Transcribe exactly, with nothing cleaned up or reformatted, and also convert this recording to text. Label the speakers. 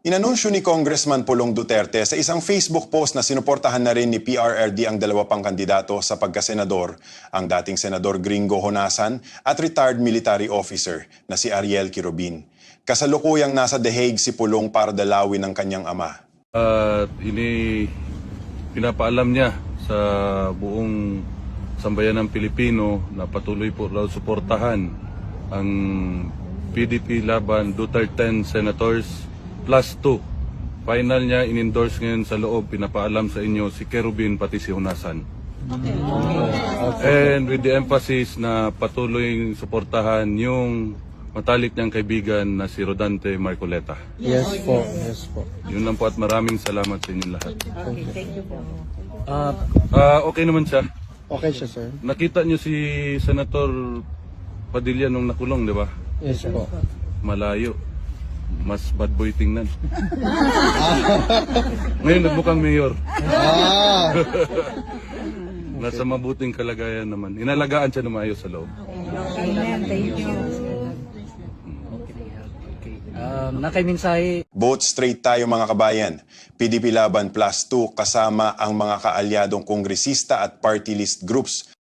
Speaker 1: Inanunsyo ni Congressman Pulong Duterte sa isang Facebook post na sinuportahan na rin ni P R R D ang dalawa pang kandidato sa pagkasenador, ang dating Senador Gringo Honasan at retired military officer na si Ariel Quirobin. Kasalukuyang nasa The Hague si Pulong para dalawin ng kanyang ama.
Speaker 2: At ini pinapaalam niya sa buong sambayan ng Pilipino na patuloy po raw suportahan ang P D P laban Duterte Senators plus two. Final niya in-endorse ngayon sa loob, pinapaalam sa inyo si Quirobin pati si Honasan.
Speaker 3: Okay.
Speaker 2: And with the emphasis na patuloy suportahan yung matalik niyang kaibigan na si Rodante Marcoleta.
Speaker 3: Yes po, yes po.
Speaker 2: Yun lang po at maraming salamat sa inyong lahat.
Speaker 4: Okay, thank you po.
Speaker 3: Ah,
Speaker 2: Ah, okay naman siya.
Speaker 3: okay siya, sir.
Speaker 2: Nakita niyo si Senator Padilla nung nakulong, di ba?
Speaker 3: Yes po.
Speaker 2: Malayo. Mas bad boy tingnan. Ngayon nagmukhang mayor.
Speaker 3: Ah,
Speaker 2: Nasa mabuting kalagayan naman. Inalagaan siya na maayos sa loob.
Speaker 4: Amen, thank you.
Speaker 5: Um, nakaimensahe
Speaker 1: Vote straight tayo mga kabayan. P D P Laban plus two kasama ang mga kaalyadong kongresista at party list groups